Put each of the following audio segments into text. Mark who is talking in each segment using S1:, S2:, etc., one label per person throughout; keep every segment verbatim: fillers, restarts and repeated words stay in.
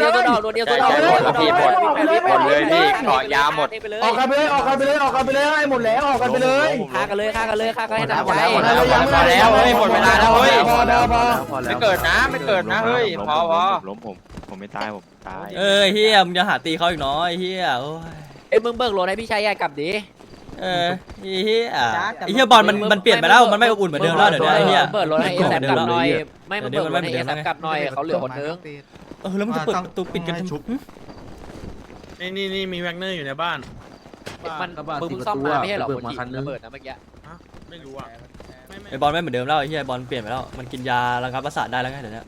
S1: เลย
S2: โดนเดียวโดนเดียว
S1: ออกไปเลยออกไปเลยออกไปเลย
S2: หมดเลยพี่เกาะยาหมด
S1: ออกกันไปเลยออกกันไปเลยออกกันไปเลยให้หมดแล้วออกกันไปเลย
S2: ฆ่ากันเลยฆ่ากันเลยฆ่ากันให้หนักใจ
S1: หมดแล้วหมดแล้วเฮ้ยหมดเวลาแล้วเฮ้ยพอแล้วพอ
S2: ไม่เกิดนะไม่เกิดนะเฮ้ยพอพอ
S3: ล้มผมผมไม่ตายผมตาย
S4: เออเฮียมึงจะหาตีเขาอีกน้อยเฮียโอ้ย
S2: เอ้ยมึงเบิกรถให้พี่ชายใหญ่กลับดิ
S4: เออเฮียไอ้เฮียบอลมันมันเปลี่ยนไปแล้วมันไม่อบอุ่นเหมือนเดิมแล้วเดี๋ยวนี้ไอ้เฮีย
S2: เบิกรถให้เอแซมกลับหน่อยไม่มึงเบิกรถให้เอแซมกลับหน่อยเขาเหลือคนนึง
S4: เออแล้วมึงจะเปิดประตูปิดกันทำไม
S3: นี่นี่นี่มีแวกเนอร์อยู่ในบ้าน
S2: มันมึงมึงซ่อมมาไม่ใช่หรอคนจีระเบิดนะเมื่อกี้
S3: ไม่รู้อ่ะ
S4: ไอ้บอลไม่เหมือนเดิมแล้วไอ้เฮียบอลเปลี่ยนไปแล้วมันกินยาระงับประสาทได้แล้วไงเดี๋ยวนี้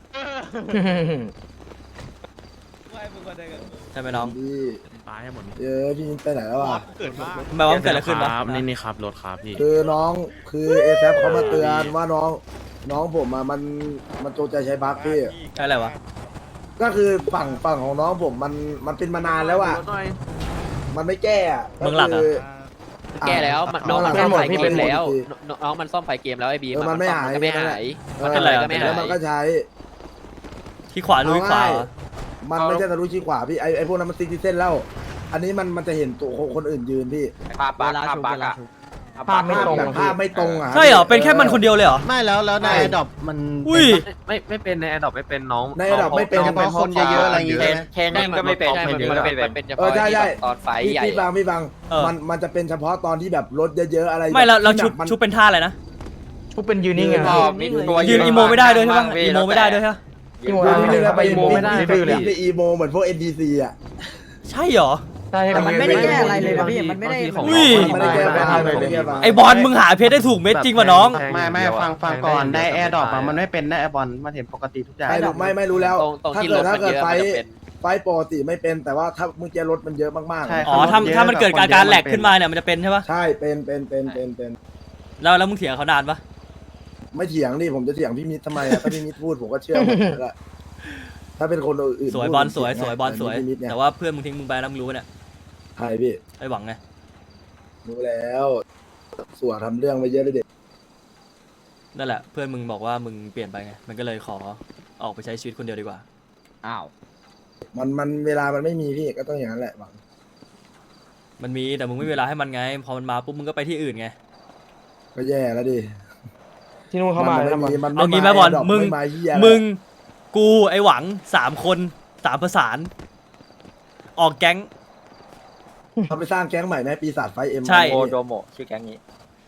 S4: ใช่ไหมน้อง
S5: พี่
S3: ตายให้หมด
S5: เออพี่ไปไหนแล้วอ่ะ
S3: เกิดบ้า
S4: ทำไมว่ามันเกิดอะไรขึ้นวะ
S3: นี่นี่ครับรถครับพี่
S5: คือน้องคือเอแซเขามาเตือนว่าน้องน้องผมอะมันมันโจงใจใช้บัคพี่
S4: อะไรวะ
S5: ก็คือฝั่งฝั่งของน้องผมมันมันเป็นมานานแล้วอ่ะมันไม่แก้อ่ะ
S4: เมืองหลักอะ
S2: แก้แล้วน้องมันซ่อมไฟเกมแล้วน้องมันซ่อมไฟเกมแล้วไอ้บีมก็ไม่หายมันเป็นอะไรก็ไม่หาย
S5: แล้วมันก็ใช้
S4: ที่ขวาลุยขวาเหรอ
S5: มันไม่ใช่ทะลุชี้ขวาพี่ไอไอพวกนั้นมันซิกซิเส้นแล้ว อันนี้มันมันจะเห็นตัวคนอื่นยืนพี่
S2: ภาพบักภาพบักอะ
S1: ภาพไม่ตรง
S5: แบบภาพไม่ตรงอ่ะ
S4: ใช่เหรอเป็นแค่มันคนเดียวเลยเหรอ
S6: ไม่แล้วแล้วในดอปมัน
S4: อุ้ย
S3: ไม่ไม่เป็นในแอดดอปไม่เป็นน้อง
S5: ในระดับไม่เป็น
S6: เฉพาะคนเยอะๆอะไรอย่างเงี้ย
S2: แค่นี้ก็ไม่เป็นมันเป็นเฉพาะตอนไฟ
S5: พี่
S2: ใหญ่
S5: พี่บางพี่บาง
S4: เออ
S5: มันมันจะเป็นเฉพาะตอนที่แบบรถเยอะๆอะไร
S4: ไม่เราเราชุบ
S5: ที่แบบมัน
S4: ชุบเป็นท่าอะไรนะ
S1: พวกเป็นยืนนิ่งไง
S4: ยืนอีโมไม่ได้ด้วยใช่ปะอีโมไม่ได้ด้วยใช่ปะ
S1: อีโม
S5: ดูนี่แล้วไป
S1: อีโมไม่ได้
S5: ดื้อเลย
S1: ดื้อเลย
S5: ไปอีโมเหมือนพวก เอ็น ดี ซี อ่ะ
S4: ใช่เหรอ
S1: ใช่
S7: มันไม่ได้แก้อะไรเลยป่ะพี่มันไม่ได้
S4: อุ้ย
S5: ไม่ได้แก้ปัญหาเลยเลย
S4: ไอบอลมึงหาเพชรได้ถูกเม็ดจริงป่ะน้อง
S6: ไม่ไม่ฟังฟังก่อนได้แอร์ดรอปอะมันไม่เป็นได้แอร์บอลมันเห็นปกติทุกอย่าง
S5: ไม่รู้ไม่ไม่รู้แล้ว
S2: ตรงตรง
S5: ถ้า
S2: ที่
S5: เกิ
S2: ร
S5: ด
S2: ถ
S5: ถ้า
S2: มัน
S5: เกิด
S2: เยอะ
S5: ไฟ
S2: มันจะเป็น
S5: ไฟปกติไม่เป็นแต่ว่าถ้าเมื่อกี้รถมันเยอะมากๆ
S6: ใช่
S4: อ๋อถ้าถ้ามันเกิดการการแหลกขึ้นมาเนี่ยมันจะเป็นใช่ปะ
S5: ใช่เป็นเป็นเป็นเป็นเป็น
S4: แล้วแล้วมึงเถียงเขานานปะ
S5: ไม่เถียงดิผมจะเถียงพี่มิตรทำไมอ่ะถ้าพี่มิตรพูดผมก็เชื่อหมดแล้วอะถ้าเป็นคนอื่น
S4: สวยบอลสวยสวยบอลสวย
S5: พี่มิตรเนี่ย
S4: แต่ว่าเพื่อนมึงทิ้งมึงไปแล้วมึงรู้ปะเนี่ย
S5: ใช่พี่
S4: ไอหวังไง
S5: รู้แล้วสัวทำเรื่องไปเยอะเลยเด็ก
S4: นั่นแหละเพื่อนมึงบอกว่ามึงเปลี่ยนไปไงมันก็เลยขอออกไปใช้ชีวิตคนเดียวดีกว่า
S2: อ้าว
S5: มันมันเวลามันไม่มีพี่ก็ต้องอย่างนั้นแหละหวัง
S4: มันมีแต่มึงไม่มีเวลาให้มันไง พอมันมาปุ๊บมึงก็ไปที่อื่นไง
S5: ก็แย่แล้วดิ
S1: ที่นู่นเข้ามา
S5: ไม่
S1: แล้วมัน
S5: มีมัน
S4: เอางี้ไหมบอล
S5: ดก
S4: มึง
S5: ไาเหี้ย
S4: มึงกูไอหวังสามคนสามประสาน ออกแก๊ง
S5: เขาไปสร้างแก๊งใหม่ไหมปีศาจไฟเอ็ม
S4: ใช่
S2: โอโดโมชื่อแก๊งนี้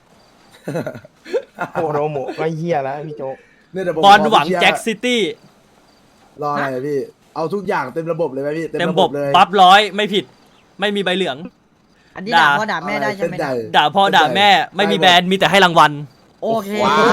S1: โอ้โหโมก็เหี้ยแล้วพี่โจ๊ก
S5: เนี่ยเดี๋ยวผม
S4: บอล
S5: ข
S4: หวัง
S5: ไปเชียร์
S4: แจ็คซิตี้
S5: รออะไรอะพี่ เอาทุกอย่างเต็มระบบเลยไหมพี่
S4: เต็ม
S5: ระ
S4: บบ
S5: เลย
S4: ปั๊บร้อยไม่ผิด ไม่มีใบเหลือง
S7: อันนี้
S4: ด่า
S7: ด่าพ่อด่าแม่ได้ใช่ไหม
S5: เส้นใจ
S4: ด่าพ่อด่าแม่ไม่มีแบรนด์มีแต่ให้รางวัล
S7: โอเค
S2: ว้าย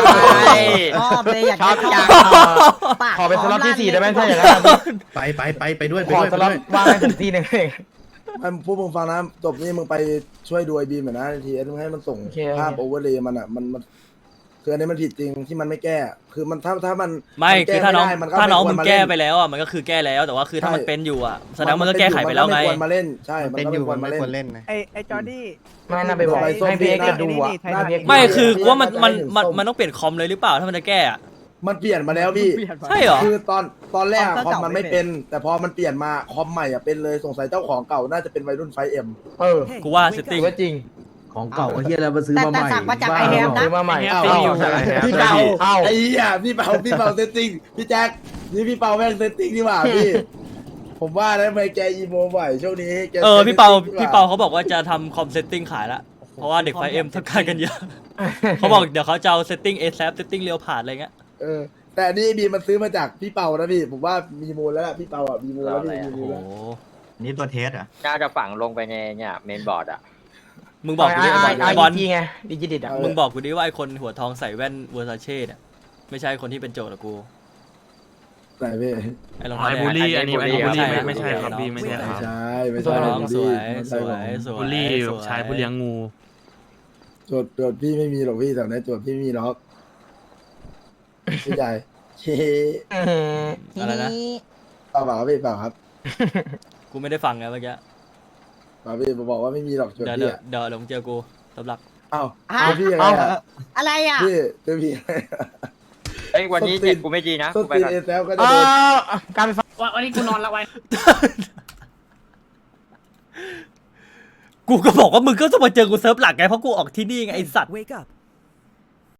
S7: ชอบเลยอยากจะชอบปาก
S1: ขอเป็นสล็อตที่สี่ได้ไหมถ้าอย่างนั้น
S6: ไปไปไปไปด้วยไป
S1: ขอ
S6: ด้วย
S1: ส
S6: ไป
S1: ล็อ
S6: ด้
S1: ต
S6: วย
S1: ว่างให้ผมทีหนึงเอง
S5: ไอ้พวกมึงฟังนะจบนี่มึงไปช่วยดูไอบีมหน่อยนะทีมึงให้มันส่ง
S1: โอเค
S5: ภาพโอเวอร์เลยมันอ่ะมันมันคืออันนี้มันผิดจริงที่มันไม่แก้ คือมันถ้าถ้ามัน
S4: ไม่
S5: นแก้
S4: คือถ้าน้อง
S5: ไม่ได้มัก็
S4: ถ้าน้อง
S5: ไคว
S4: มึ
S5: รง มา
S4: แก้
S5: เล่น
S4: ไปแล้วอ่ะมันก็คือแก้แล้วแต่ว่าคือถ้ามัน
S5: ใช่
S4: เป็นอยู่อ่ะแสดงว่ามันก็แก้ไขไปแล้วไง
S5: มันก็ม่ควรมาเล่นใช่
S6: เป็น
S5: ก็
S6: อยู่
S5: คว
S6: มัน
S5: ร
S6: ไม่
S5: มาเล่น
S6: ควรเล่นนะ
S8: ไอไอจอร์ดี้
S1: ไม่น่าไปบอก
S5: ไปส้ม
S1: ให้พี่เอ็กซ์
S5: พี่
S1: จะดูอ่ะ
S8: นี่นี่
S1: ให้พี่เอ็กซ์
S4: ไม่คือกูว่ามันมัน
S5: ให้เห็น
S4: มัน
S5: ส้ม
S4: มันต้องเปลี่ยนคอมเลยหรือเปล่าถ้ามันจะแก้อะ
S5: มันเปลี่ยนมาแล้วพี่
S4: ใช่เหรอ
S5: คือตอนตอนแรกอะ
S7: ค
S5: ค
S7: อ
S5: อ
S7: ม
S5: ม
S7: เก่า
S5: มัน
S7: ไม่
S5: ไม่
S7: เป็
S5: เป็น น แต่พอมันเปลี่ยนมาคอมใหม่อะเป็นเลยสงสัยเจ้าของเก่าน่าจะเป็นวัยรุ่นไฟเอ็ม
S1: เออ
S4: กูว่าเซตติ้ง
S1: ว่าจริง
S5: ของเก่าเฮียแล้วมาซื้อ
S7: แต่
S5: มาให
S7: แต่
S5: ม่
S7: สั่งมาจากไอแฮมนะ
S1: ซื้อมาใหม่
S5: อ้าว
S1: อ้าว
S5: พี่เปา
S1: อ้าว
S5: ไอ้เหี้ยพี่เปาพี่เปาเซตติ้งพี่แจ็คนี่พี่เปาแม่งเซตติ้งนี่หว่าพี่ ผมว่าแล้วทำไมแกอีโมบ่อยช่วงนี้แก
S4: เออพี่เปา
S5: ซตติ้ง
S4: พี่เปาเขาบอกว่าจะทำคอมเซตติ้งขายละเพราะว่าเด็กไฟเอ็มต้องการกันเยอะเขาบอกเดี๋ยวเขาจะเอาเซตติ้งเอแซฟเซตติ้งเรียวผ่านอะไรเงี้ย
S5: เออแต่อันนี่บีมันซื้อมาจากพี่เปานะพี่ผมว่ามีมูลแล้วล่ะพี่เปาอ่ะมีมูลแล้วพี่มี
S4: โอ้
S5: มู
S4: โห
S5: ลแล้ว
S6: นี่ตัวเทสอ่ะ
S2: น่าจะฝังลงไปในเนี่ยเมนบอร์ดอ่ะ
S4: มึงบอกกูดิ
S1: ไอ้
S4: ไอ้
S1: บบ อ
S4: อ
S1: ล
S4: ล
S1: ทีไงดิจิดิตอ่ะ
S4: มึงบอกกูดิว่าไอ้คนหัวทองใส่แว่นเวอร์ซาเช่เนี่ยไม่ใช่คนที่เป็นโจทย์หรอกกู
S5: ไหนพี่
S4: ไอ้รอง
S3: ไอ้
S4: เท้า
S3: บูลลี่
S4: แดง
S3: อันนี้อันนี้บูลลี่ไม่
S4: ใช่
S3: ไม่ใช่ครับพี่ไม่ใช่ค
S5: ไม่
S3: รับ
S5: ใช่ไม่
S4: สวย
S5: ใช่
S4: น้องสวย
S5: มัน
S4: ส
S5: ใส่
S4: ว
S5: ของ
S4: ยสวย
S3: บูลลี่
S4: สวย
S3: ชายผู้เลี้ยงงู
S5: โจทย์โจทย์พี่ไม่มีหรอกพี่แต่ในโจทย์พี่ไม่มีหรอกพี่ใหญ่เฮ้
S4: อะไรนะ
S5: เปล่าเปล่าครับพี่เปล่าครับ
S4: กูไม่ได้ฟังไงเมื่อกี้
S5: เปล่าพี่บอกว่าไม่มีหรอกโจท
S4: เดี๋ยว
S5: ย์
S4: เดี๋
S5: พี่
S4: ยว
S5: อะ
S4: เดี๋ยวเดี๋ยวมึงเจอกูสำหรับ
S5: อ้าว
S7: ฮะ
S5: เจอพี่ยังไงอะ
S7: อะไรอ่ะ
S5: พี่เจอพี่ยังไงอะ
S2: เอ้ยวันนี้เจ็ดกูไม่ดีนะ
S5: ส้
S2: กู
S5: น
S2: ไป
S5: ตีน
S2: ก่อน
S5: เอแซลก็จะ
S1: เอ
S5: โดน
S1: อการไฟฟ้า
S2: วันนี้กูนอนละไว้
S4: กูก็บอกว่ามึงก็ต้องมาเจอกูเซิร์ฟหลักไงเพราะกูออกที่นี่ไงไอสัตว์
S8: Wake up